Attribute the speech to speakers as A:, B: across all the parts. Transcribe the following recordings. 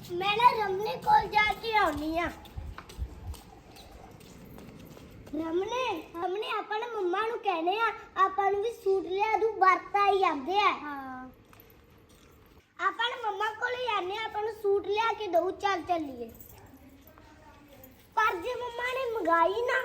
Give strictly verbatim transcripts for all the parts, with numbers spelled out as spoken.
A: मैं ना रमने कोल जाके आउनी आ रमने हमने अपने मम्मा नु कहने आ ਆਪਾਂ ਨੂੰ ਵੀ ਸੂਟ ਲਿਆ ਦੂ ਵਰਤਾ ਹੀ ਆਂਦੇ ਆ ਹਾਂ ਆਪਾਂ ਨੇ ਮੰਮਾ ਕੋਲ ਹੀ ਆਨੇ ਆਪਾਂ ਨੂੰ ਸੂਟ ਲਿਆ ਕੇ ਦਊ ਚੱਲ ਚੱਲੀਏ ਪਰ ਜੇ ਮੰਮਾ ਨੇ ਮੰਗਾਈ ਨਾ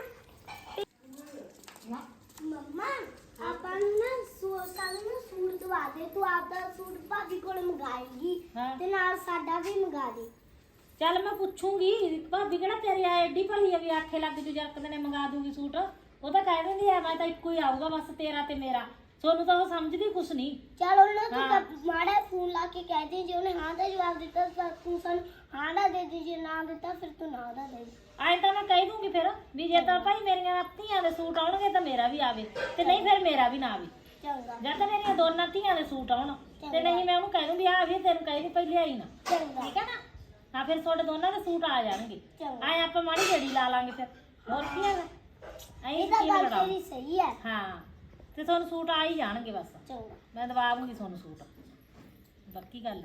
A: ਮੰਮਾ ਆਪਾਂ ਨੂੰ ਨਾ ਸੂਟ ਸਾਨੂੰ ਨਾ ਸੂਟ ਦਵਾ ਦੇ ਤੂੰ ਆਪਦਾ ਸੂਟ ਭਾਬੀ ਕੋਲ ਮੰਗਾਏਗੀ ਤੇ ਨਾਲ ਸਾਡਾ ਵੀ ਮੰਗਾ ਦੇ
B: ਚੱਲ ਮੈਂ ਪੁੱਛੂੰਗੀ ਭਾਬੀ ਕਿਹੜਾ ਤੇਰੀ ਆ ਐਡੀ ਭਲੀ ਆ ਵੀ ਆਖੇ ਲੱਗ ਜੂ ਜਰਕਦੇ ਨੇ ਮੰਗਾ ਦੂਗੀ ਸੂਟ ਉਹ ਤਾਂ ਕਹਿ ਦਿੰਦੀ ਆ ਮੈਂ ਤਾਂ ਇੱਕੋ ਹੀ ਆਊਗਾ ਬਸ ਤੇਰਾ ਤੇ ਮੇਰਾ ਸੋਨੂੰ ਤਾਂ ਉਹ ਸਮਝਦੀ ਕੁਛ ਨਹੀਂ
A: ਚਲ ਉਹਨਾਂ ਤੂੰ ਮਾੜਾ ਫੋਨ ਲਾ ਕੇ ਕਹਿ ਦੇ ਜੇ ਉਹਨੇ ਹਾਂ ਦਾ ਜਵਾਬ ਦਿੱਤਾ ਤਾਂ ਤੂੰ ਸਾਨੂੰ ਹਾਂ ਦਾ ਦੇ ਦੇ ਜੇ ਨਾ ਦਿੱਤਾ ਫਿਰ ਤੂੰ ਨਾ ਦਾ ਦੇ
B: ਆਏ ਤਾਂ ਮੈਂ ਕਹਿ ਦੂੰਗੀ ਫਿਰ ਵੀ ਜੇ ਤਾਂ ਭਾਈ ਮੇਰੀਆਂ ਧੀਆਂ ਦੇ ਸੂਟ ਆਉਣਗੇ ਤਾਂ ਮੇਰਾ ਵੀ ਆਵੇ ਤੇ ਨਹੀਂ ਫਿਰ ਮੇਰਾ ਵੀ ਨਾ ਆਵੇ
A: ਚੰਗਾ
B: ਜਾਂ ਤਾਂ ਮੇਰੀਆਂ ਦੋਨਾਂ ਧੀਆਂ ਦੇ ਸੂਟ ਆਉਣ ਤੇ ਨਹੀਂ ਮੈਂ ਉਹਨੂੰ ਕਹਿ ਦੂੰਗੀ ਆ ਵੀ ਤੈਨੂੰ ਕਹਿ ਦੀ ਪਹਿਲੇ ਆਈ ਨਾ
A: ਚੰਗਾ
B: ਠੀਕ ਹੈ ਨਾ ਹਾਂ ਫਿਰ ਤੁਹਾਡੇ ਦੋਨਾਂ ਦੇ ਸੂਟ ਆ ਜਾਣਗੇ ਆਏ ਆਪਾਂ ਮਾੜੀ ਜੜੀ ਲਾ ਲਾਂਗੇ ਫਿਰ ਹੋਰ ਕੀ ਹੈਗਾ
A: ਇਹ ਤਾਂ ਗੱਲ ਤੇਰੀ ਸਹੀ ਹੈ
B: ਹਾਂ ਤੇ ਤੁਹਾਨੂੰ ਸੂਟ ਆ ਹੀ ਜਾਣਗੇ ਬਸ
A: ਚੰਗਾ
B: ਮੈਂ ਦਵਾ ਦੂੰਗੀ ਤੁਹਾਨੂੰ ਸੂਟ ਬਾਕੀ ਗੱਲ ਹੈ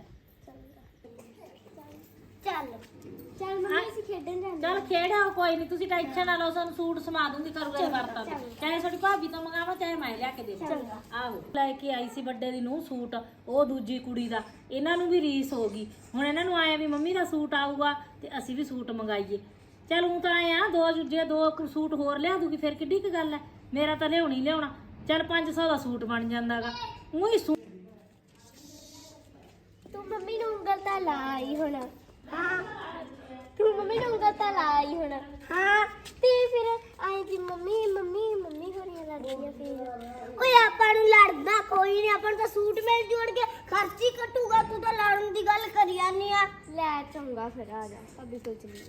A: ਚੱਲ ਚੱਲ ਮੰਮੀ ਅਸੀਂ ਖੇਡਣ ਜਾਂਦੇ
B: ਚੱਲ ਖੇਡਾਓ ਕੋਈ ਨਹੀਂ ਤੁਸੀਂ ਟੈਨਸ਼ਨ ਨਾ ਲਓ ਸਾਨੂੰ ਸੂਟ ਸਮਾ ਦੂੰਗੀ ਕਰੂਗਾ ਵਰਤਾ ਚਾਹੇ ਤੁਹਾਡੀ ਭਾਬੀ ਤੋਂ ਮੰਗਾਵਾਂ ਚਾਹੇ ਮੈਂ ਲਿਆ ਕੇ ਦੇਵਾਂ ਆਹੋ ਲੈ ਕੇ ਆਈ ਸੀ ਵੱਡੇ ਦੀ ਨੂੰ ਸੂਟ ਉਹ ਦੂਜੀ ਕੁੜੀ ਦਾ ਇਹਨਾਂ ਨੂੰ ਵੀ ਰੀਸ ਹੋ ਗਈ ਹੁਣ ਇਹਨਾਂ ਨੂੰ ਆਇਆ ਵੀ ਮੰਮੀ ਦਾ ਸੂਟ ਆਊਗਾ ਤੇ ਅਸੀਂ ਵੀ ਸੂਟ ਮੰਗਾਈਏ ਚੱਲ ਉਹ ਤਾਂ ਆਏ ਆ ਦੋ ਜੇ ਦੋ ਸੂਟ ਹੋਰ ਲਿਆ ਦੂਗੀ ਫਿਰ ਕਿੱਡੀ ਕੁ ਗੱਲ ਹੈ ਮੇਰਾ ਤਾਂ ਲਿਆਉਣੀ ਲਿਆਉਣਾ ਚੱਲ ਪੰਜ ਸੌ ਦਾ ਸੂਟ ਬਣ ਜਾਂਦਾਗਾ ਉਹੀ ਸੂਟ
A: ਤੂੰ ਮੰਮੀ ਨੂੰ ਉਂਗਲ ਤਾਂ ਲਾਈ ਹੁਣ ਹਾਂ ਤੂੰ ਮੰਮੀ ਨੂੰ ਉਂਗਲ ਤਾਂ ਲਾਈ ਹੁਣ ਹਾਂ ਤੇ ਫਿਰ ਆਏ ਕਿ ਮੰਮੀ ਮੰਮੀ ਮੰਮੀ ਹੋਰੀਆਂ ਲੜਦੀਆਂ ਫਿਰ ਓਏ ਆਪਾਂ ਨੂੰ ਲੜਦਾ ਕੋਈ ਨਹੀਂ ਆਪਾਂ ਨੂੰ ਤਾਂ ਸੂਟ ਮਿਲ ਜੂਣਗੇ ਖਰਚ ਹੀ ਘਟੂਗਾ ਤੂੰ ਤਾਂ ਲੜਨ ਦੀ ਗੱਲ ਕਰੀ ਜਾਂਦੀ ਆ ਲੈ ਚੰਗਾ ਫਿਰ ਆ ਜਾ ਅਭੀ ਸੋਚ ਲਈ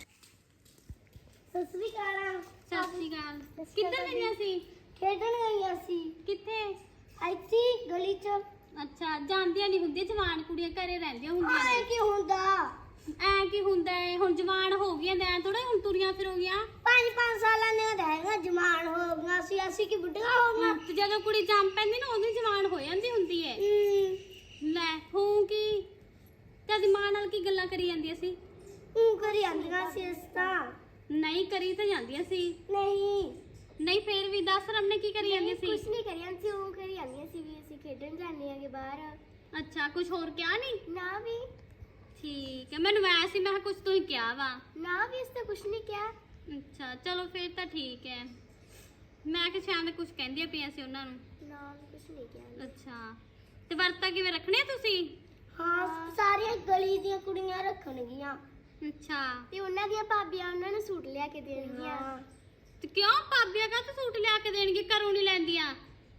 A: ਸਤਿ ਸ੍ਰੀ ਅਕਾਲ
C: ਸਤਿ ਸ਼੍ਰੀ ਅਕਾਲ ਕਿੱਧਰ ਗਈਆਂ ਸੀ
A: ਖੇਡਣ ਗਈਆਂ ਸੀ
C: ਕਿੱਥੇ
A: ਇੱਥੇ ਗਲੀ 'ਚ
C: ਅੱਛਾ ਜਾਂਦੀਆਂ ਨਹੀਂ ਹੁੰਦੀਆਂ ਜਵਾਨ ਕੁੜੀਆਂ ਘਰੇ ਰਹਿੰਦੀਆਂ ਹੁੰਦੀਆਂ
A: ਆਏ ਕੀ ਹੁੰਦਾ
C: ਐ ਕੀ ਹੁੰਦਾ ਹੈ ਹੁਣ ਜਵਾਨ ਹੋ ਗਈਆਂ ਐ ਥੋੜਾ ਹੁਣ ਤੁਰੀਆਂ ਫਿਰੋਗੀਆਂ
A: ਪੰਜ ਪੰਜ ਸਾਲਾਂ ਨੇ ਰਹਿਣਾ ਜਵਾਨ ਹੋ ਗਈਆਂ ਸੀ ਅਸੀਂ ਕੀ ਬੁੱਢੀਆਂ ਹੋ ਗਈਆਂ
C: ਤੇ ਜਦੋਂ ਕੁੜੀ ਜੰਮ ਪੈਂਦੀ ਨਾ ਉਦੋਂ ਜਵਾਨ ਹੋ ਜਾਂਦੀ ਹੁੰਦੀ ਹੈ ਲੈ ਹੂੰ ਕੀ ਤੇਰੀ ਮਾਂ ਨਾਲ ਕੀ ਗੱਲਾਂ ਕਰੀ ਜਾਂਦੀਆਂ ਸੀ
A: ਉਹ ਕਰੀ ਜਾਂਦੀਆਂ ਸੀ ਇਸ ਤਾਂ
C: ਨਹੀਂ ਕਰੀ ਤਾਂ ਜਾਂਦੀਆਂ ਸੀ
A: ਨਹੀਂ
C: ਨਹੀਂ ਫੇਰ ਵੀ ਦੱਸ ਰਮਨੇ ਕੀ ਕਰੀ ਜਾਂਦੀ ਸੀ
A: ਕੁਛ ਨਹੀਂ ਕਰੀ ਜਾਂਦੀ ਸੀ ਉਹ ਕਰੀ ਜਾਂਦੀਆਂ ਸੀ ਵੀ ਅਸੀਂ ਖੇਡਣ ਜਾਂਦੇ ਆਂਗੇ ਬਾਹਰ
C: ਅੱਛਾ ਕੁਝ ਹੋਰ ਕਿਹਾ ਨਹੀਂ
A: ਨਾ ਵੀ
C: ਠੀਕ ਹੈ ਮੈਨੂੰ ਵੈਸੇ ਮੈਂ ਕੁਝ ਤੋਂ ਹੀ ਕਿਹਾ ਵਾ
A: ਨਾ ਵੀ ਇਸ ਤੇ ਕੁਛ ਨਹੀਂ ਕਿਹਾ
C: ਅੱਛਾ ਚਲੋ ਫੇਰ ਤਾਂ ਠੀਕ ਹੈ ਮੈਂ ਕਿ ਸ਼ਾਇਦ ਕੁਝ ਕਹਿੰਦੀਆਂ ਪਈਆਂ ਸੀ ਉਹਨਾਂ ਨੂੰ
A: ਨਾ ਵੀ ਕੁਛ ਨਹੀਂ ਕਿਹਾ
C: ਅੱਛਾ ਤੇ ਵਰਤਾ ਕਿਵੇਂ ਰੱਖਣੇ ਆ ਤੁਸੀਂ
A: ਹਾਂ ਸਾਰੀਆਂ ਗਲੀ ਦੀਆਂ ਕੁੜੀਆਂ ਰੱਖਣਗੀਆਂ
C: ਅੱਛਾ
A: ਤੇ ਉਹਨਾਂ ਦੀਆਂ ਭਾਬੀਆਂ ਉਹਨਾਂ ਨੂੰ ਸੂਟ ਲਿਆ ਕੇ ਦੇਣਗੀਆਂ
C: ਤੇ ਕਿਉਂ ਭਾਬੀਆਂ ਕਾ ਸੂਟ ਲਿਆ ਕੇ ਦੇਣਗੇ ਘਰੋਂ ਨਹੀਂ ਲੈਂਦੀਆਂ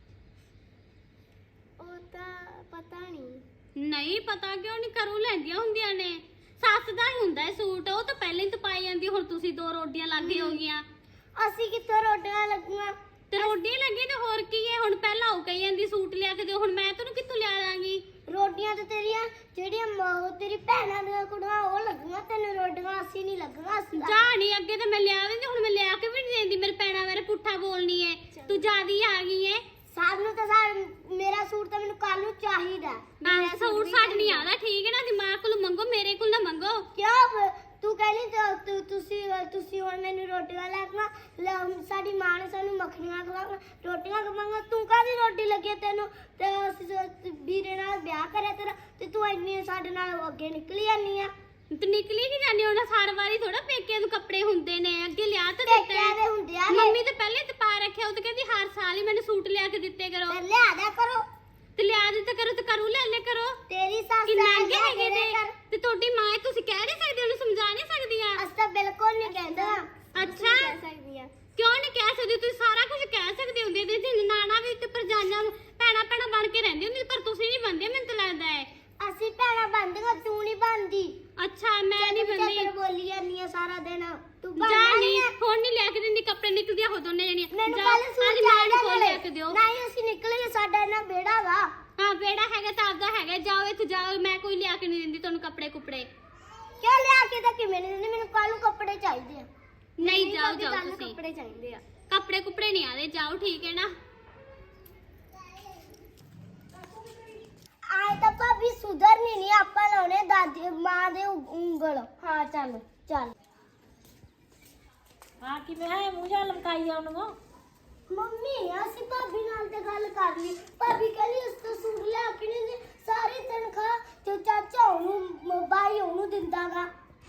A: ਉਹ ਤਾਂ ਪਤਾ ਨਹੀਂ
C: ਨਹੀਂ ਪਤਾ ਕਿਉਂ ਨਹੀਂ ਘਰੋਂ ਲੈਂਦੀਆਂ ਹੁੰਦੀਆਂ ਨੇ ਸੱਸ ਦਾ ਹੀ ਹੁੰਦਾ ਹੈ ਸੂਟ ਉਹ ਤਾਂ ਪਹਿਲਾਂ ਹੀ ਤਪਾਈ ਜਾਂਦੀ ਹੁਣ ਤੁਸੀਂ ਦੋ ਰੋਟੀਆਂ ਲੱਗੇ ਹੋ ਗਈਆਂ
A: ਅਸੀਂ ਕਿੱਥੋਂ ਰੋਟੀਆਂ ਲੱਗੀਆਂ
C: ਤੇ ਰੋਟੀਆਂ ਲੱਗੀ ਤੇ ਹੋਰ ਕੀ ਹੈ ਹੁਣ ਪਹਿਲਾਂ ਉਹ ਕਹੀ ਜਾਂਦੀ ਸੂਟ ਲਿਆ ਕੇ ਦਿਓ ਹੁਣ ਮੈਂ ਤੈਨੂੰ ਕਿੱਥੋਂ ਲਿਆ ਦਾਂਗੀ
A: ਰੋਟੀਆਂ ਤੇ ਤੇਰੀਆਂ ਜਿਹੜੀਆਂ ਮਾਂ ਤੇਰੀ ਭੈਣਾਂ ਦੀਆਂ ਕੁੜੀਆਂ ਉਹ ਲੱਗੀਆਂ ਤੈਨੂੰ ਰੋਟੀਆਂ ਅਸੀਂ ਨਹੀਂ ਲੱਗੀਆਂ ਅਸੀਂ ਤਾਂ-
C: ਜਾ ਨਹੀਂ ਅੱਗੇ ਤਾਂ ਮੈਂ ਲਿਆ ਦਿੰਦੀ ਹੁਣ ਮੈਂ ਲਿਆ ਕੇ ਵੀ ਨਹੀਂ ਦਿੰਦੀ ਮੇਰੇ ਭੈਣਾਂ ਮੇਰੇ ਪੁੱਠਾ ਬੋਲਣੀ ਹੈ ਤੂੰ ਜਿਆਦੀ ਆ ਗਈ ਹੈ
A: ਸਾਨੂੰ ਤਾਂ ਸਾ- ਮੇਰਾ ਸੂਟ ਤਾਂ ਮੈਨੂੰ ਕੱਲ ਨੂੰ ਚਾਹੀਦਾ
C: ਮੈਂ ਸੂਟ ਸਾਡ ਨਹੀਂ ਆਦਾ ਠੀਕ ਹੈ ਨਾ ਦਿਮਾਗ ਕੋਲ ਮੰਗੋ ਮੇਰੇ ਕੋਲ ਨਾ ਮੰਗੋ
A: ਕਿਉਂ ਤੂੰ ਕਹਿੰਦੀ ਤਾਂ ਤੁ- ਤੁਸੀਂ ਤੁਸੀਂ ਹੁਣ ਮੈਨੂੰ ਰੋਟੀਆਂ ਲੈ ਕੇ ਨਾ ਸਾਡੀ ਮਾਂ ਨੇ ਸਾਨੂੰ ਮੱਖਣੀਆਂ ਖਵਾਉਣਾ ਰੋਟੀਆਂ ਖਵਾਉਣਾ ਤੂੰ ਕਾਹਦੀ ਰੋਟੀ ਲੱਗੀ ਤੈਨੂੰ ਤੇ ਅਸੀਂ ਜੋ ਵੀਰੇ ਨਾਲ ਵਿਆਹ ਕਰਿਆ ਤੇਰਾ ਤੇ ਤੂੰ ਇੰਨੀ ਸਾਡੇ ਨਾਲ ਅੱਗੇ ਨਿਕਲੀ ਜਾਂਦੀ ਆ
C: ਤੇ ਨਿਕਲੀ ਕਿ ਜਾਂਦੀ ਉਹਨਾਂ ਸਾਰ ਵਾਰੀ ਥੋੜਾ ਪੇਕੇ ਨੂੰ ਕੱਪੜੇ ਹੁੰਦੇ ਨੇ ਅੱਗੇ ਲਿਆ ਤਾਂ ਦਿੱਤਾ
A: ਪੇਕਿਆਂ ਦੇ ਹੁੰਦੇ ਆ
C: ਮੰਮੀ ਤਾਂ ਪਹਿਲੇ ਤੇ ਪਾ ਰੱਖਿਆ ਉਹ ਤਾਂ ਕਹਿੰਦੀ ਹਰ ਸਾਲ ਹੀ ਮੈਨੂੰ ਸੂਟ ਲਿਆ ਕੇ ਦਿੱਤੇ ਕਰੋ
A: ਤੇ ਲਿਆ ਦਿਆ ਕਰੋ
C: ਤੇ ਲਿਆ ਦਿੱਤਾ ਕਰੋ ਤੇ ਕਰੂ ਲੈ ਲੈ ਕਰੋ
A: ਤੇਰੀ ਸੱਸ
C: ਕਿ
A: ਦਾ
C: ਮਹਿੰਗੇ
A: ਲਿਆ
C: ਹੈਗੇ
A: ਕੇ
C: ਨੇ
A: ਕਰ।
C: ਤੇ ਤੁਹਾਡੀ ਮਾਂ ਹੈ, ਤੁਸੀਂ ਕਹਿ ਨਹੀਂ ਸਕਦੇ ਉਹਨੂੰ ਸਮਝਾ ਨਹੀਂ ਸਕਦੀਆਂ
A: ਅਸੀਂ ਤਾਂ ਬਿਲਕੁਲ ਨਹੀਂ ਕਹਿੰਦਾ
C: ਅੱਛਾ
A: ਕਹਿ ਸਕਦੀ ਆ
C: ਕਿਉਂ ਨਹੀਂ ਕਹਿ ਸਕਦੇ ਤੁਸੀਂ ਸਾਰਾ ਕੁਝ ਕਹਿ ਸਕਦੇ ਹੁੰਦੇ ਤੇ ਜੇ ਨਾਨਾ ਵੀ ਤੇ ਪਰਜਾਈਆਂ ਨੂੰ ਭੈਣਾ ਭੈਣਾ ਬਣ ਕੇ ਰਹਿੰਦੀ ਹੁੰਦੀ ਪਰ ਤੁਸੀਂ ਨਹੀਂ ਬੰਦੇ ਮੈਨੂੰ ਤਾਂ ਲੱਗਦਾ ਹੈ
A: ਅਸੀਂ ਭੈਣਾਂ ਬਣਦੀਆਂ ਤੂੰ ਨਹੀਂ ਬਣਦੀ
C: ਅੱਛਾ ਮੈਂ ਨਹੀਂ ਬੰਦੀ
A: ਚੱਕਰ ਬੋਲੀ ਜਾਂਦੀ ਆ ਸਾਰਾ ਦਿਨ ਤੂੰ
C: ਜਾ
A: ਬਣਨਾ
C: ਨਹੀਂ
A: ਆ
C: ਹੁਣ ਨਹੀਂ ਲੈ ਕੇ ਦਿੰਦੀ ਕੱਪੜੇ ਨਿਕਲਦੀਆਂ ਹੋ ਦੋਨੇ ਜਣੀਆਂ
A: ਮੈਨੂੰ
C: ਜਾ,
A: ਕੱਲ
C: ਅੱਜ
A: ਸੂਟ
C: ਮਾਂ ਨੂੰ
A: ਚਾਹੀਦਾ
C: ਖੋਲ ਲਿਆ ਕੇ ਦਿਓ
A: ਨਹੀਂ ਅਸੀਂ ਨਿਕਲੇ ਸਾਡਾ ਇਹਨਾਂ ਬੇੜਾ ਵਾ
C: ਹਾਂ ਬੇੜਾ ਹੈਗਾ ਤਾਂ ਆਪਦਾ ਹੈਗਾ ਜਾਓ ਇੱਥੇ ਜਾਓ ਮੈਂ ਕੋਈ ਲਿਆ ਕੇ ਨਹੀਂ ਦਿੰਦੀ ਤੁਹਾਨੂੰ ਕੱਪੜੇ ਕੁਪੜੇ
A: ਕਿਉਂ ਲਿਆ ਕੇ ਤਾਂ ਕਿਵੇਂ ਨਹੀਂ ਦਿੰਦੀ ਮੈਨੂੰ ਕੱਲ ਨੂੰ ਕੱਪੜੇ ਚਾਹੀਦੇ ਆ
C: ਨਹੀਂ ਜਾਓ
A: ਭਾਬੀ,
C: ਜਾਓ
A: ਕੱਲ੍ਹ ਨੂੰ
C: ਤੁਸੀਂ
A: ਕੱਪੜੇ ਚਾਹੀਦੇ ਆ
C: ਕੱਪੜੇ ਕੁਪੜੇ ਨਹੀਂ ਆਦੇ ਜਾਓ ਠੀਕ ਹੈ ਨਾ
A: ਆਏ ਤਾਂ ਭਾਬੀ ਸੁਧਰਨੀ ਨਹੀਂ ਆਪਾਂ ਲਾਉਣੇ ਦਾਦੀ ਮਾਂ ਦੇ ਉ- ਉਂਗਲ ਹਾਂ ਚੱਲ ਚੱਲ
B: ਹਾਂ ਕਿਵੇਂ ਹੈ ਮੂੰਹ ਜਾਂ ਲਮਕਾਈ ਆ ਉਹਨੂੰ
A: ਮੰਮੀ ਅਸੀਂ ਭਾਬੀ ਨਾਲ ਤੇ ਗੱਲ ਕਰ ਲਈ ਭਾਬੀ ਕਹਿੰਦੀ ਉਸ ਤੋਂ ਸੂਟ ਲਿਆ ਕੇ ਨਹੀਂ ਦੇ ਸਾਰੀ ਤਨਖਾਹ ਤੇ ਚਾਚਾ ਉਹਨੂੰ ਬਾਈ ਉਹਨੂੰ ਦਿੰਦਾਗਾ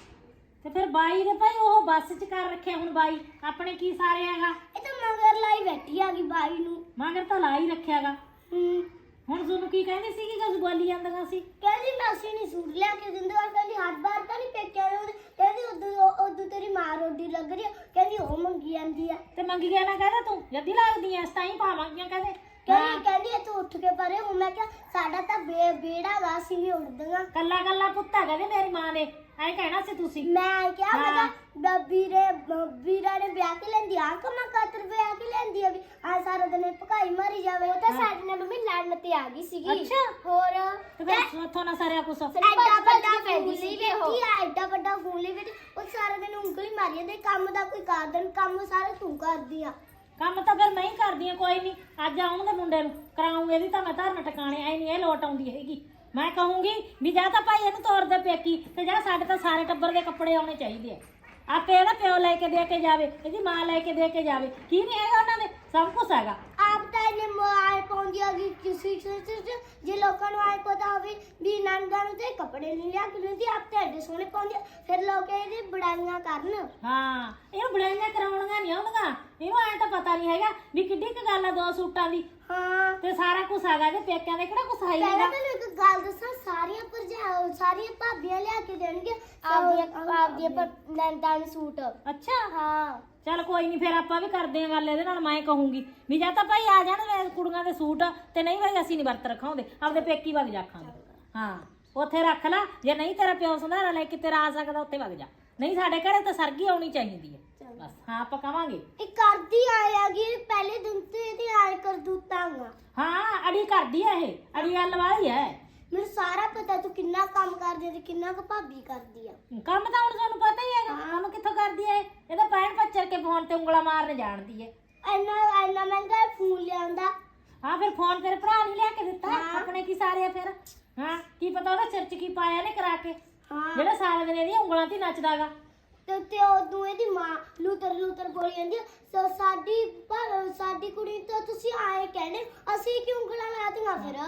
B: ਤੇ ਫਿਰ ਬਾਈ ਦੇ ਭਾਈ ਉਹ ਬੱਸ 'ਚ ਕਰ ਰੱਖਿਆ ਹੁਣ ਬਾਈ ਆਪਣੇ ਕੀ ਸਾਰੇ ਹੈਗਾ
A: ਇਹ ਤਾਂ ਮਗਰ ਲਾਈ ਬੈਠੀ ਆ ਗਈ ਬਾਈ ਨੂੰ
B: ਮਗਰ ਤਾਂ ਲਾ ਹੀ ਰੱਖਿਆਗਾ
A: ਹੂੰ
B: ਹੁਣ ਤੁਹਾਨੂੰ ਕੀ ਕਹਿੰਦੀ ਸੀਗੀ ਕਿ ਬੋਲੀ ਜਾਂਦੀਆਂ ਸੀ
A: ਕਹਿੰਦੀ ਮੈਂ ਅਸੀਂ ਨਹੀਂ ਸੂਟ ਲਿਆ ਕੇ ਦਿੰਦੇ ਔਰ ਕਹਿੰਦੀ ਹੱਥ ਬਾਹਰ ਤਾਂ ਨਹੀਂ ਪੇਕਿਆ ਨੇ ਉਹਦੇ ਕਹਿੰਦੀ ਉਦੋਂ ਉਦੋਂ ਤੇਰੀ ਮਾਂ ਰੋਟੀ ਲੱਗ ਰਹੀ ਆ ਕਹਿੰਦੀ ਉਹ ਮੰਗੀ ਜਾਂਦੀ ਆ
B: ਤੇ ਮੰਗੀ ਗਿਆ ਨਾ ਕਹਦਾ ਤੂੰ ਜੱਦੀ ਲੱਗਦੀ ਐ ਤਾਂ ਹੀ ਪਾਵਾਂਗੀਆਂ ਕਹਦੇ
A: ਕਹਿੰਦੀ ਕਹਿੰਦੀ ਇਹ ਤੂੰ ਉੱਠ ਕੇ ਪਰੇ ਹੁਣ ਮੈਂ ਕਿਹਾ ਸਾਡਾ ਤਾਂ ਬੇ ਬੇੜਾ ਗਾ ਅਸੀਂ ਵੀ ਉੱਡਦੀਆਂ
B: ਕੱਲਾ ਕੱਲਾ ਪੁੱਤਾ ਕਹਦੇ ਮੇਰੀ ਮਾਂ ਨੇ ਐ ਕਹਿਣਾ ਸੀ ਤੁਸੀਂ
A: ਮੈਂ ਕਿਹਾ ਮੈਂ ਕਿਹਾ ਵੀਰੇ ਵੀਰਾ ਨੇ ਵਿਆਹ ਕੇ ਲੈਂਦੀ ਆ ਕਮਾ ਕਾਤਰ ਵਿਆਹ ਕੇ ਲੈਂਦੀ ਆ ਵੀ ਆ ਸਾਰਾ ਦਿਨ ਭਕਾਈ ਮਾਰੀ ਜਾਵੇ ਉਹ ਤਾਂ ਸਾਡੇ ਨਾਲ ਮੰਮੀ ਲੜਨ ਤੇ ਆ ਗਈ ਸੀਗੀ
B: ਅੱਛਾ
A: ਹੋਰ
B: ਤੇ ਫਿਰ ਉੱਥੋਂ ਨਾ ਸਾਰਿਆ ਕੁਛ
A: ਐਡਾ ਵੱਡਾ ਫੋਨ ਲਈ ਬੈਠੀ ਆ ਐਡਾ ਵੱਡਾ ਫੋਨ ਲਈ ਬੈਠੀ ਉਹ ਸਾਰਾ ਦਿਨ ਉਂਗਲੀ ਮਾਰੀ ਜਾਂਦੇ ਕੰਮ ਦਾ ਕੋਈ ਕਾਰਨ ਕੰਮ ਸਾਰੇ ਤੂੰ ਕਰਦੀ ਆ
B: ਕੰਮ ਤਾਂ ਫਿਰ ਮੈਂ ਹੀ ਕਰਦੀ ਆ ਕੋਈ ਨਹੀਂ ਅੱਜ ਆਉਣਗੇ ਮੁੰਡੇ ਨੂੰ ਕਰਾਉਂਗੇ ਇਹਦੀ ਤਾਂ ਮੈਂ ਧਰਨ ਟਿਕਾਣੇ ਐ ਨਹੀਂ ਇਹ ਲੋਟ ਆਉਂਦੀ ਹੈਗੀ ਮੈਂ ਕਹੂੰਗੀ ਵੀ ਜਾਂ ਤਾਂ ਭਾਈ ਇਹਨੂੰ ਤੋਰ ਦੇ ਪੇਕੀ ਤੇ ਜਾਂ ਸਾਡੇ ਤਾਂ ਸਾਰੇ ਟੱਬਰ ਦੇ ਕੱਪੜੇ ਆਉਣੇ ਚਾਹੀਦੇ ਆ ਆਪੇ ਇਹਦਾ ਪਿਓ ਲੈ ਕੇ ਦੇ ਕੇ ਜਾਵੇ ਇਹਦੀ ਮਾਂ ਲੈ ਕੇ ਦੇ ਕੇ ਜਾਵੇ ਕੀ ਨਹੀਂ ਹੈਗਾ ਉਹਨਾਂ ਦੇ ਸਭ ਕੁਝ ਹੈਗਾ
A: ਆਪ ਤਾਂ ਇਹਨੇ ਮੋਬਾਈਲ ਪਾਉਂਦੀ ਆ ਕਿ ਕਿਸੇ ਕਿਸੇ ਜੇ ਲੋਕਾਂ ਨੂੰ ਆਏ ਪਤਾ ਹੋਵੇ ਵੀ ਨੰਗਾ ਨੂੰ ਤੇ ਕੱਪੜੇ ਨਹੀਂ ਲਿਆ ਕਿ ਨਹੀਂ ਆਪ ਤਾਂ ਐਡੇ ਸੋਹਣੇ ਪਾਉਂਦੀ ਆ ਫਿਰ ਲੋਕ ਇਹਦੀ ਬੜਾਈਆਂ ਕਰਨ
B: ਹਾਂ ਇਹਨੂੰ ਬੜਾਈਆਂ ਕਰਾਉਣੀਆਂ ਨਹੀਂ ਆਉਂਦੀਆਂ ਇਹਨੂੰ ਐ ਤਾਂ ਪਤਾ ਨਹੀਂ ਹੈਗਾ ਵੀ ਕਿੱਡੀ ਕੁ ਗੱਲ ਆ ਦੋ ਸੂਟਾਂ ਦੀ
A: ਹਾਂ
B: ਤੇ ਸਾਰਾ ਕੁਝ ਹੈਗਾ ਜੇ ਪੇਕਿਆਂ ਦੇ ਕਿਹੜਾ ਕੁਝ ਹੈ
A: ਪਹਿਲਾਂ
B: ਨਹੀਂਗਾ
A: ਤੈਨੂੰ ਇੱਕ ਗੱਲ ਦੱਸਾਂ ਸਾਰੀਆਂ ਭਰਜਾ ਸਾਰੀਆਂ ਭਾਬੀਆਂ ਲਿਆ ਕੇ ਦੇਣਗੇ ਆਪਦੀਆਂ ਆਪਦੀਆਂ ਪਰ ਨੰਦਾਂ ਨੂੰ ਸੂਟ
B: ਅੱਛਾ
A: ਹਾਂ
B: ਚੱਲ ਕੋਈ ਨਹੀਂ ਫਿਰ ਆਪਾਂ ਵੀ ਕਰਦੇ ਆਂ ਗੱਲ ਇਹਦੇ ਨਾਲ ਮੈਂ ਕਹੂੰਗੀ ਵੀ ਜਾਂ ਤਾਂ ਭਾਈ ਆ ਜਾਣ ਵੇ ਕੁੜੀਆਂ ਦੇ ਸੂਟ ਤੇ ਨਹੀਂ ਭਾਈ ਅਸੀਂ ਨਹੀਂ ਵਰਤ ਰਖਾਉਂਦੇ ਆਪਦੇ ਪੇਕੀ ਵਗ ਜਾਖਾਂਗੇ ਹਾਂ ਉੱਥੇ ਰੱਖ ਲੈ ਜੇ ਨਹੀਂ ਤੇਰਾ ਪਿਓ ਸੰਧਾਰਾ ਲੈ ਕੇ ਤੇਰਾ ਆ ਸਕਦਾ ਉੱਥੇ ਵਗ ਜਾ ਨਹੀਂ ਸਾਡੇ ਘਰੇ ਤਾਂ ਸਰਗੀ ਆਉਣੀ ਚਾਹੀਦੀ ਹੈ ਬਸ ਹਾਂ ਆਪਾਂ ਕਵਾਂਗੇ
A: ਇਹ ਕਰਦੀ ਆਇਆਗੀ ਪਹਿਲੇ ਦਿਨ ਤੇ ਇਹਦੀ ਆਏ ਕਰ ਦੂਤਾਂਗਾ
B: ਹਾਂ ਅੜੀ ਕਰਦੀ ਆ ਇਹ ਅੜੀ ਗੱਲ ਵਾਲੀ ਹੈ
A: ਮੈਨੂੰ ਸਾਰਾ ਪਤਾ ਤੂੰ ਕਿੰਨਾ ਕੰਮ ਕਰਦੀ ਤੇ ਕਿੰਨਾ ਕੁ ਭਾਬੀ ਕਰਦੀ ਆ
B: ਕੰਮ ਤਾਂ ਹੁਣ ਤੁਹਾਨੂੰ ਪਤਾ ਹੀ ਹੈਗਾ ਕੰਮ ਕਿੱਥੋਂ ਕਰਦੀ ਹੈ ਇਹ ਤਾਂ ਪੈਣ ਪੱਚਰ ਕੇ ਫੋਨ ਤੇ ਉਂਗਲਾ ਮਾਰਨ ਜਾਣਦੀ ਹੈ
A: ਇੰਨਾ ਇੰਨਾ ਮਹਿੰਗਾ ਫੋਨ ਲਿਆਂਦਾ
B: ਹਾਂ ਫਿਰ ਫੋਨ ਤੇਰੇ ਭਰਾ ਨੇ ਲਿਆ ਕੇ ਦਿੱਤਾ ਆਪਣੇ ਕੀ ਸਾਰੇ ਆ ਫਿਰ ਹਾਂ ਕੀ ਪਤਾ ਉਹਦਾ ਸਿਰ 'ਚ ਕੀ ਪਾਇਆ ਨੇ ਕਰਾ ਕੇ
A: ਹਾਂ
B: ਜਿਹੜਾ ਸਾਰਾ ਦਿਨ ਇਹਦੀਆਂ ਉਂਗਲਾਂ ਤੇ ਨੱਚਦਾਗਾ
A: ਤੇ ਤੇ ਉਦੋਂ ਇਹਦੀ ਮਾਂ ਲੂਤਰ ਲੂਤਰ ਬੋਲੀ ਜਾਂਦੀ ਆ, ਸਾ- ਸਾਡੀ ਪਰ ਸਾਡੀ ਕੁੜੀ ਤਾਂ ਤੁਸੀਂ ਆਏ ਕਹਿੰਦੇ ਅਸੀਂ ਕਿਉਂ ਉਂਗਲਾਂ ਲਾਤੀਆਂ ਫਿਰ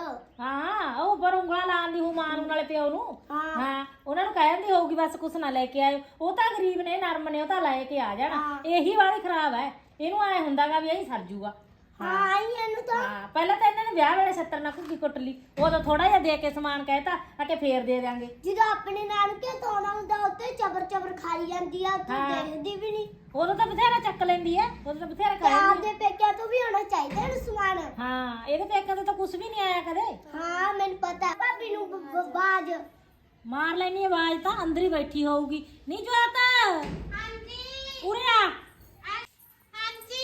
B: ਹਾਂ ਉਹ ਪਰ ਉਂਗਲਾਂ ਲਾਉਣ ਦੀ ਹੂ ਮਾਂ ਨੂੰ ਨਾਲੇ ਪਿਓ ਨੂੰ
A: ਹਾਂ।
B: ਹਾਂ ਉਹਨਾਂ ਨੂੰ ਕਹਿੰਦੀ ਹੋਊਗੀ ਬਸ ਕੁਛ ਨਾ ਲੈ ਕੇ ਆਇਓ ਉਹ ਤਾਂ ਗਰੀਬ ਨੇ ਨਰਮ ਨੇ ਉਹ ਤਾਂ ਲੈ ਕੇ ਆ ਜਾਣਾ
A: ਹਾਂ।
B: ਇਹੀ ਵਾਲੀ ਖਰਾਬ ਹੈ ਇਹਨੂੰ ਐ ਹੁੰਦਾਗਾ ਵੀ ਇਹੀ ਸਰ ਜੂਗਾ
A: ਹਾਂ ਆਈ ਇਹਨੂੰ ਤਾਂ
B: ਹਾਂ ਪਹਿਲਾਂ ਤਾਂ ਇਹਨਾਂ ਨੇ ਵਿਆਹ ਵੇਲੇ ਸੱਤਰ ਨਾਲ ਘੁੱਗੀ ਕੁੱਟ ਲਈ ਉਦੋਂ ਥੋੜਾ ਜਿਹਾ ਦੇ ਕੇ ਸਮਾਨ ਕਹਿਤਾ ਅਕੇ ਫੇਰ ਦੇ ਦਿਆਂਗੇ
A: ਜਦੋਂ ਆਪਣੇ ਨਾਨਕੇ ਤੋਣਾ ਹੁੰਦਾ ਉੱਤੇ ਚਬਰ ਚਬਰ ਖਾਈ ਜਾਂਦੀ ਆ ਤੂੰ
B: ਹਾਂ।
A: ਦੇਖਦੀ ਵੀ ਨਹੀਂ
B: ਉਦੋਂ ਤਾਂ ਬਥੇਰਾ ਚੱਕ ਲੈਂਦੀ ਐ ਉਦੋਂ ਤਾਂ ਬਥੇਰਾ
A: ਤੇ
B: ਕਰ ਲੈਂਦੀ
A: ਆਪਦੇ ਪੇਕਿਆਂ ਤੋਂ ਵੀ ਹੋਣਾ ਚਾਹੀਦਾ ਇਹਨੂੰ ਸਮਾਨ
B: ਹਾਂ ਇਹਦੇ ਪੇਕਾਂ ਤੇ ਤਾਂ ਕੁਝ ਵੀ ਨਹੀਂ ਆਇਆ ਕਦੇ
A: ਹਾਂ ਮੈਨੂੰ ਪਤਾ ਭਾਬੀ ਨੂੰ ਬ- ਬ- ਬਾਜ
B: ਮਾਰ ਲੈਣੀ ਆਵਾਜ਼ ਤਾਂ ਅੰਦਰ ਹੀ ਬੈਠੀ ਹੋਊਗੀ ਨਹੀਂ ਜਵਾਤਾ
C: ਹਾਂਜੀ
B: ਉਰੇ ਆ
C: ਹਾਂਜੀ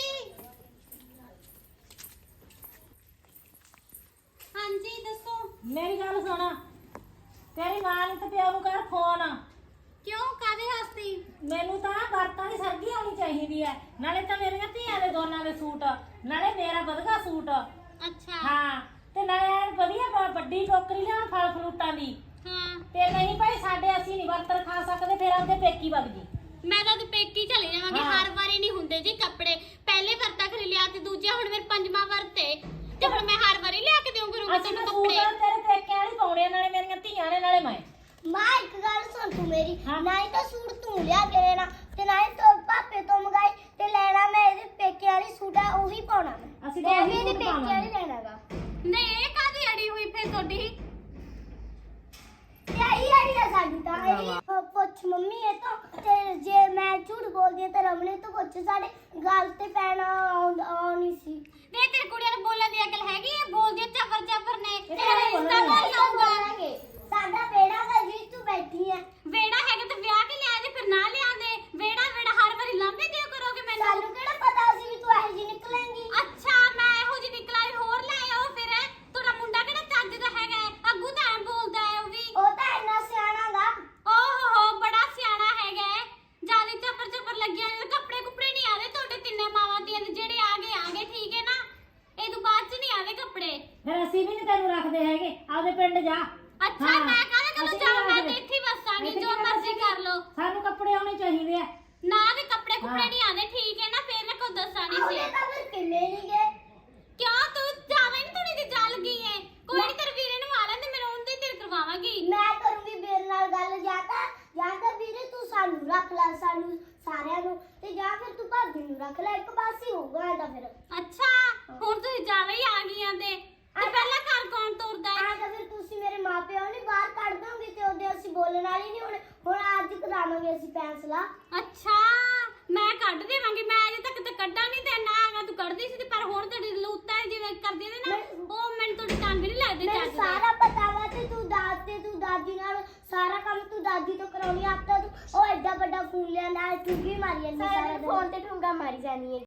C: ਹਾਂਜੀ ਦੱਸੋ
B: ਮੇਰੀ ਗੱਲ ਸੁਣ ਤੇਰੀ ਮਾਂ ਨੇ ਤੇ ਪਿਓ ਨੂੰ ਕਰ ਫੋਨ
C: ਕਿਉਂ ਕਾਦੇ ਹਸਤੀ
B: ਮੈਨੂੰ ਤਾਂ ਵਰਤਾਂ ਦੀ ਸਰਗੀ ਆਉਣੀ ਚਾਹੀਦੀ ਐ ਨਾਲੇ ਤਾਂ ਮੇਰੀਆਂ ਧੀਆਂ ਦੇ ਦੋਨਾਂ ਦੇ ਸੂਟ ਨਾਲੇ ਮੇਰਾ ਵਧਗਾ ਸੂਟ
C: ਅੱਛਾ
B: ਹਾਂ ਤੇ ਨਾਲੇ ਐਨ ਵਧੀਆ ਬ- ਵੱਡੀ ਟੋਕਰੀ ਲਿਆਉਣ ਫਲ ਫਰੂਟਾਂ ਦੀ
C: ਹਾਂ
B: ਤੇ ਨਹੀਂ ਭਾਈ ਸਾਡੇ ਅਸੀਂ ਨਹੀਂ ਵਰਤ ਖਾ ਸਕਦੇ ਫਿਰ ਆਪਦੇ ਪੇਕੀ ਵਗ ਜੀ
C: ਮੈਂ ਤਾਂ ਤੇ ਪੇਕੀ ਚਲੇ ਜਾਵਾਂਗੇ
B: ਹਾਂ।
C: ਹਰ ਵਾਰੀ ਨਹੀਂ ਹੁੰਦੇ ਜੀ ਕੱਪੜੇ ਪਹਿਲੇ ਵਰਤਾ ਖਰੀ ਲਿਆ ਤੇ ਦੂਜਾ ਹੁਣ ਮੇਰੇ ਪੰਜਵਾਂ ਵਰਤ ਏ ਤੇ ਹੁਣ ਮੈਂ ਹਰ ਵਾਰੀ ਲਿਆ ਕੇ ਦਿਉਂ ਕਰੂੰਗੀ
B: ਅਸੀਂ
C: ਤੈਨੂੰ
B: ਤਾਂ ਸੂਟ
C: ਕੱਪੜੇ
B: ਤੇਰੇ ਪੇਕਿਆਂ ਵਾਲੀ ਪਾਉਣੇ ਆ, ਨਾਲੇ ਮੇਰੀਆਂ ਧੀਆਂ ਨੇ ਨਾਲੇ ਮੈਂ
A: ਮਾਂ ਇੱਕ ਗੱਲ ਸੁਣ ਤੂੰ ਮੇਰੀ
B: ਹਾਂ।
A: ਨਾ ਹੀ ਤਾਂ ਸੂਟ ਤੂੰ ਲਿਆ ਕੇ ਦੇਣਾ ਤੇ ਨਾ ਹੀ ਤੋ ਪਾਪੇ ਤੋਂ ਮੰਗਾਈ ਤੇ ਲੈਣਾ ਮੈਂ ਇਹਦੇ ਪੇਕੇ ਵਾਲੀ ਸੂਟ ਆ ਉਹੀ ਪਾਉਣਾ ਮੈਂ
B: ਅਸੀਂ
A: ਤੇ
B: ਤਾਂ
A: ਵੀ
B: ਉਹੀ
A: ਇਹਦੇ
B: ਸੂਟ
A: ਪੇਕੇ ਵਾਲੀ
B: ਪਾਵਾਂਗੇ।
A: ਲੈਣਾਗਾ
C: ਨਹੀਂ ਇਹ ਕਾਦੀ ਅੜੀ ਹੋਈ ਫੇਰ ਤੁਹਾਡੀ
A: ਤੇ ਆਈ ਆਈ ਆ ਸਾਡੀ ਤਾਂ ਇਹ ਪੁੱਛ ਮੰਮੀ ਇਹ ਤਾਂ ਤੇ ਜੇ ਮੈਂ ਝੂਠ ਬੋਲਦੀ ਹਾਂ ਤਾਂ ਰਮਨੇ ਤੋਂ ਪੁੱਛ ਸਾਡੇ ਗੱਲ ਤੇ ਪੈਣਾ ਆਉਣੀ ਸੀ
C: ਦੇ ਤੇਰੀ ਕੁੜੀਆਂ ਨੂੰ ਬੋਲਣ ਦੀ ਅਕਲ ਹੈਗੀ ਹੈ ਬੋਲਦੀ ਚੱਪਰ ਚੱਪਰ ਨੇ
B: ਇਹ
C: ਤੇਰਾ
B: ਤਾਂ
C: ਰਿਸ਼ਤਾ
B: ਬੋਲਣਾ
C: ਕੌਣ ਲਾਊਗਾ
A: ਬੋਲਾਂਗੇ ਸਾਡਾ ਬੇੜਾ ਦਾ ਜੀ ਤੂੰ ਬੈਠੀ ਹੈ
C: ਵੇੜਾ ਹੈਗਾ ਤੇ ਵਿਆਹ ਕੇ ਲਿਆ ਦੇ ਫਿਰ ਨਾ ਲਿਆਂਦੇ ਵੇੜਾ ਵੇੜਾ ਹਰ ਵਾਰੀ ਲਾਂਬੇ ਦਿਓ ਕਰੋਗੇ ਮੈਨੂੰ
A: ਸਾਨੂੰ ਕਿਹੜਾ ਪਤਾ ਸੀ ਵੀ ਤੂੰ ਇਹੋ ਜਿਹੀ ਨਿਕਲੇਂਗੀ
C: ਅੱਛਾ ਮੈਂ ਇਹੋ ਜਿਹੀ ਨਿਕਲਾ ਵੀ ਹੋਰ ਲੈ ਆਓ ਫਿਰ ਤੁਹਾਡਾ ਮੁੰਡਾ ਕਿਹੜਾ ਚੱਜ ਦਾ ਹੈਗਾ ਹੈ? ਅੱਗੂ ਤਾਂ ਐਂ ਬੋਲਦਾ ਹੈ ਉਹ ਵੀ
A: ਉਹ ਤਾਂ ਇੰਨਾ ਸਿਆਣਾਗਾ
C: ਓਹ ਹੋ ਬੜਾ ਸਿਆਣਾ ਹੈਗਾ ਹੈ। ਜਿਆਦਾ ਚੱਪਰ ਚੱਪਰ ਲੱਗਿਆ ਨੇ ਕੱਪੜੇ ਕੁਪੜੇ ਨਹੀਂ ਆਦੇ ਤੁਹਾਡੇ ਤਿੰਨੇ ਮਾਵਾਂ ਦੀਆਂ ਦੇ ਜਿਹੜੇ ਆ ਗਏ ਆ ਗਏ ਠੀਕ ਹੈ ਨਾ ਇਹ ਤੋਂ ਬਾਅਦ ਚ ਨਹੀਂ ਆਦੇ ਕੱਪੜੇ
B: ਫਿਰ ਅਸੀਂ ਵੀ ਨਹੀਂ ਤੈਨੂੰ ਰੱਖਦੇ ਹੈਗੇ ਆਪਦੇ ਪਿੰਡ ਜਾ।
C: ਅੱਛਾ
B: ਹਾਂ,
C: ਮੈਂ ਕਾਹਦੇ ਕੋਲ
B: ਅਸੀਂ
C: ਜਾਵਾਂ, ਮੈਂ
B: ਆਵਾਂਗੇ।
C: ਤੇ ਇੱਥੇ ਹੀ ਵਸਾਂਗੀ,
B: ਇੱਥੇ
C: ਜੋ
B: ਕਿੱਥੇ
C: ਮਰਜ਼ੀ ਕਰ ਲਓ।
B: ਸਾਨੂੰ ਕੱਪੜੇ ਆਉਣੇ ਚਾਹੀਦੇ ਆ।
C: ਨਾ ਵੀ ਕੱਪੜੇ ਕੁਪੜੇ
B: ਹਾਂ।
C: ਨਹੀਂ ਆਉਂਦੇ, ਠੀਕ ਹੈ ਨਾ, ਫੇਰ ਨਾ ਕੋਈ ਦੱਸਾਂ ਨਹੀਂ
A: ਉਹਨੇ
C: ਸੀ।
A: ਤਾਂ ਫਿਰ ਕਿੰਨੇ ਨਹੀਂ ਗਏ
C: ਕਿਉਂ ਤੂੰ ਜਾਵੇਂ ਨਹੀਂ, ਥੋੜੀ ਜਿਹੀ ਜਲ ਗਈ ਏ। ਕੋਈ ਨਹੀਂ, ਤੇਰੇ ਵੀਰੇ ਨੂੰ ਆ ਲੈਂਦੇ, ਮੇਰਾ ਉਹਦੇ ਤੇਰੇ ਕਰਵਾਵਾਂਗੀ।
A: ਮੈਂ ਕਰੂੰਗੀ ਵੀਰ ਨਾਲ ਗੱਲ, ਜਾਂ ਤਾਂ ਜਾਂ ਤਾਂ ਵੀਰੇ ਤੂੰ ਸਾਨੂੰ ਰੱਖ ਲੈ, ਸਾਨੂੰ ਸਾਰਿਆਂ ਨੂੰ, ਤੇ ਜਾਂ ਫਿਰ ਤੂੰ ਭਾਬੀ ਨੂੰ ਰੱਖ ਲੈ, ਇੱਕ ਪਾਸੇ ਹੋਊਗਾ ਇਹਦਾ ਫਿਰ।
C: ਅੱਛਾ ਹੁਣ ਤੁਸੀਂ ਜਾਵੇਂ ਹੀ ਆ ਗਈਆਂ ਤੇ ਤੇ ਪਹਿਲਾਂ ਘਰ ਕੌਣ ਤੁਰਦਾ ਹੈ?
A: ਆ ਤਾਂ ਫਿਰ ਤੁਸੀਂ ਮੇਰੇ ਮਾਪਿਓ ਨਹੀਂ ਬਾਹਰ ਕੱਢ ਦੋਗੇ, ਤੇ ਉਹਦੇ ਅਸੀਂ ਬੋਲਣ ਵਾਲੀ ਨਹੀਂ ਹੁਣ ਹੁਣ ਅੱਜ ਕਰਾਵਾਂਗੇ ਅਸੀਂ ਫੈਸਲਾ।
C: ਅੱਛਾ ਮੈਂ ਕੱਢ ਦੇਵਾਂਗੀ, ਮੈਂ ਅਜੇ ਤੱਕ ਤੇ ਕੱਢਾਂ ਨਹੀਂ ਦੇਣਾ ਹੈਗਾ, ਤੂੰ ਕੱਢਦੀ ਸੀ ਤੇ ਪਰ ਹੁਣ ਤੇਰੀ ਲੂਤਾਂ ਜਿਵੇਂ ਕਰਦੀ ਨੇ ਨਾ, ਉਹ ਮੈਨੂੰ ਤੁਹਾਡੇ ਕੰਮ ਵੀ ਨਹੀਂ ਲੱਗਦੇ
A: ਮੈਨੂੰ
C: ਚੱਜ ਦੇ।
A: ਸਾਰਾ ਪਤਾ ਵਾ, ਤੇ ਤੂੰ ਦਾਦ ਤੇ ਤੂੰ ਦਾਦੀ ਨਾਲ ਸਾਰਾ ਕੰਮ ਤੂੰ ਦਾਦੀ ਤੋਂ ਕਰਾਉਣੀ, ਆਪ ਤਾਂ ਤੂੰ ਉਹ ਐਡਾ ਵੱਡਾ ਫੋਨ ਲਿਆਂਦਾ, ਠੁੰਗੀ ਮਾਰੀ ਜਾਂਦੀ ਸਾਰਾ ਦਿਨ, ਫੋਨ ਤੇ ਠੁੰਗਾ ਮਾਰੀ ਜਾਨੀ ਹੈ।